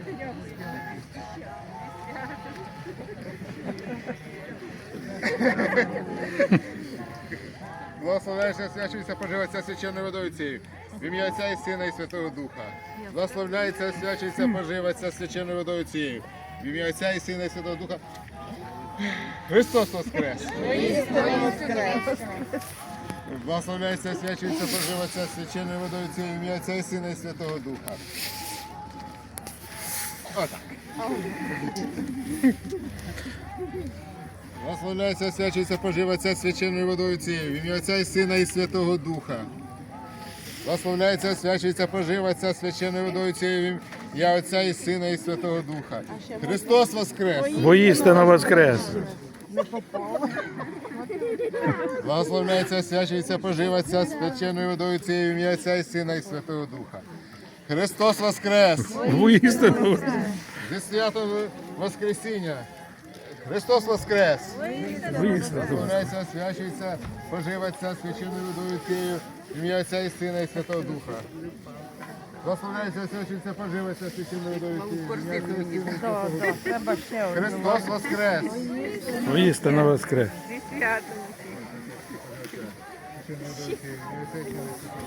Благословляється, освячується, поживається священною водою цією. В ім'я Отця і Сина і Святого Духа. Благословляється, освячується, поживається священною водою цією. В ім'я Отця і Сина і Святого Духа. Христос Воскрес! Благословляється, освячується, поживається священною водою цією. В ім'я Отця і Сина і Святого Духа. Отак. Благословляється, освячується, поживається священною водою цією. В ім'я Отця і Сина і Святого Духа. Благословляється, освячується, поживається священною водою цією. В ім'я Отця і Сина і Святого Духа. Христос Воскрес! Воістину воскрес! Благословляється, освячується, поживається священною водою цією. В ім'я Отця і Сина і Святого Духа. Христос Воскрес! Воістину! Зі святом Воскресіння! Христос Воскрес! Благословляється, освячується, поживається священною водою цією. В ім'я Отця і Сина і Святого Духа. Благословляється, освячується, поживається священною водою цією. В ім'я Отця і Сина і Святого Духа. Христос Воскрес! Воістину воскрес!